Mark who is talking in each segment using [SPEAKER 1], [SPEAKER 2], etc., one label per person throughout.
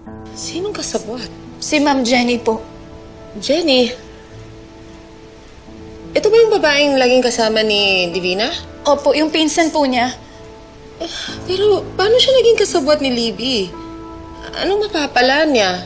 [SPEAKER 1] Sinong kasabwat?
[SPEAKER 2] Si Ma'am Jenny po.
[SPEAKER 1] Jenny? Ito ba yung babaeng laging kasama ni Divina?
[SPEAKER 2] Opo, yung pinsan po niya.
[SPEAKER 1] Pero paano siya naging kasabwat ni Libby? Anong mapapala niya?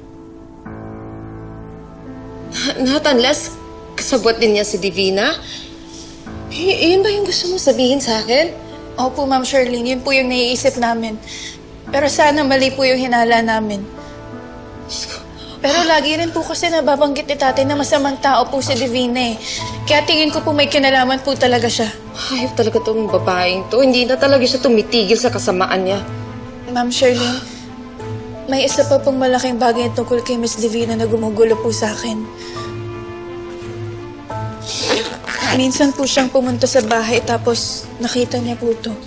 [SPEAKER 1] Not unless kasabwat din niya si Divina? Yun ba yung gusto mo sabihin sa akin?
[SPEAKER 2] Opo, Ma'am Charlene, yun po yung naiisip namin. Pero sana mali po yung hinala namin. Pero lagi rin po kasi nababanggit ni tatay na masamang tao po si Divina eh. Kaya tingin ko po may kinalaman po talaga siya.
[SPEAKER 1] Hayop talaga tong babaeng to. Hindi na talaga siya tumitigil sa kasamaan niya.
[SPEAKER 2] Ma'am Charlene, may isa pa pong malaking bagay tungkol kay Miss Divina na gumugulo po sa akin. Minsan po siyang pumunta sa bahay tapos nakita niya po to.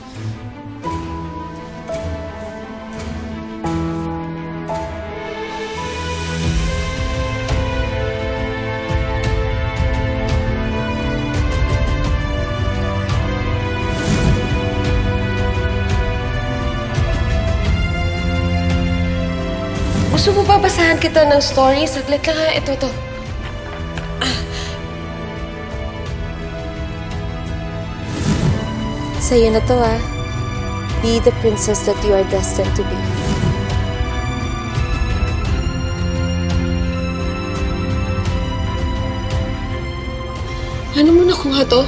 [SPEAKER 1] Gusto mo ba basahan kita ng story? Saglit lang ha. Ito.
[SPEAKER 3] Sa'yo na to Be the princess that you are destined to be.
[SPEAKER 1] Ano mo nakuha to?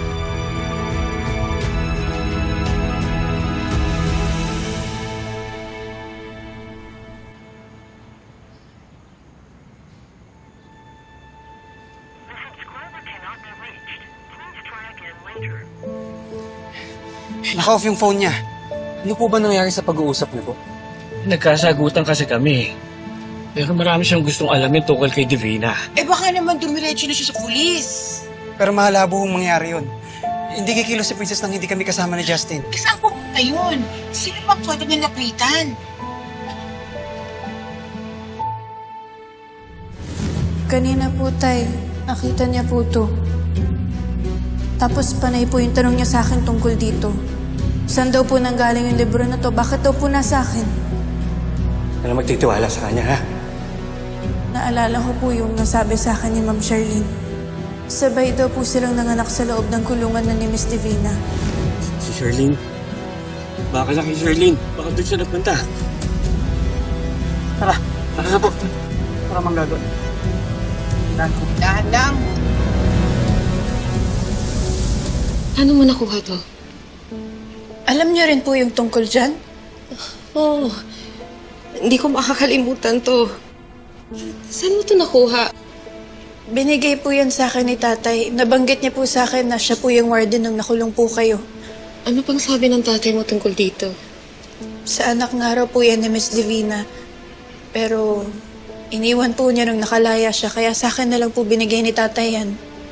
[SPEAKER 4] Naka-off yung phone niya. Ano po ba nangyari sa pag-uusap niyo?
[SPEAKER 5] Nagkasagutan kasi kami. Pero marami siyang gustong alamin tungkol kay Divina.
[SPEAKER 6] Baka naman dumiretso na siya sa pulis.
[SPEAKER 4] Pero mahalabo hong mangyari yun. Hindi kikilos si Princess nang hindi kami kasama ni Justin.
[SPEAKER 6] Saan pupunta yun? Sino bang pwede niya lapitan?
[SPEAKER 2] Kanina po, Tay, nakita niya po to. Tapos panay po yung tanong niya sa akin tungkol dito. Saan daw po nanggaling yung libro na to? Bakit daw po nasa akin?
[SPEAKER 4] Ano magtitiwala sa kanya, ha?
[SPEAKER 2] Naalala ko po yung nasabi sa akin ni Ma'am Charlene. Sabay daw po silang nanganak sa loob ng kulungan na ni Miss Divina.
[SPEAKER 5] Si Charlene. Baka na kay Charlene. Baka doon siya nagpunta.
[SPEAKER 4] Tara na po. Para manggagawa.
[SPEAKER 6] Dahan lang.
[SPEAKER 1] Ano mo nakuha to?
[SPEAKER 2] Alam niyo rin po yung tungkol dyan?
[SPEAKER 1] Oh, hindi ko makakalimutan to. Saan mo to nakuha?
[SPEAKER 2] Binigay po yan sa akin ni tatay. Nabanggit niya po sa akin na siya po yung warden nung nakulong po kayo.
[SPEAKER 1] Ano pang sabi ng tatay mo tungkol dito?
[SPEAKER 2] Sa anak nga raw po yan ni Miss Divina. Pero iniwan po niya nung nakalaya siya. Kaya sa akin na lang po binigay ni tatay yan.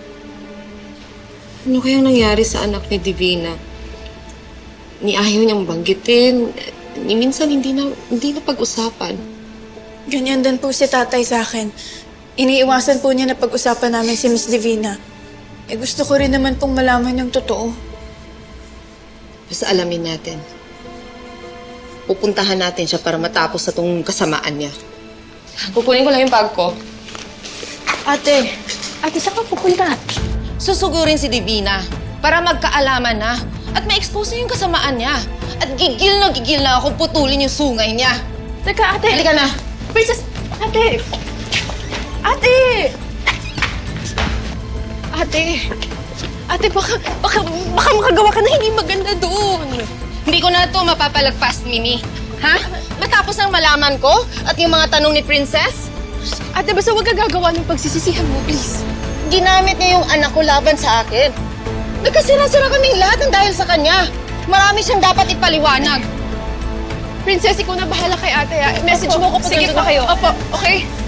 [SPEAKER 1] Ano kayang nangyari sa anak ni Divina? Ni ayaw niyang banggitin. Ni minsan hindi na pag-usapan.
[SPEAKER 2] Ganyan din po si tatay sa akin. Iniiwasan po niya na pag-usapan namin si Miss Divina. Gusto ko rin naman pong malaman yung totoo.
[SPEAKER 1] Basta alamin natin. Pupuntahan natin siya para matapos sa tong kasamaan niya. Kukunin ko lang yung bag ko.
[SPEAKER 2] Ate,
[SPEAKER 1] Saan ka pupunta? Susugurin si Divina para magkaalaman na at ma-expose niya yung kasamaan niya. At gigil na akong putulin yung sungay niya.
[SPEAKER 2] Teka, ate.
[SPEAKER 1] Halika na.
[SPEAKER 2] Princess, ate. Ate! Ate, baka makagawa ka na hindi maganda doon.
[SPEAKER 1] Hindi ko na ito mapapalagpas, Mimi. Ha? Matapos ang malaman ko at yung mga tanong ni Princess?
[SPEAKER 2] Ate, basta huwag ka gagawa ng pagsisisihan mo, please.
[SPEAKER 1] Ginamit niya yung anak ko laban sa akin. Nagkasira-sira kaming lahat ng dahil sa kanya. Marami siyang dapat ipaliwanag.
[SPEAKER 2] Princess, ikaw na bahala kay ate. Message mo ko pag nandun na kayo. Opo, okay?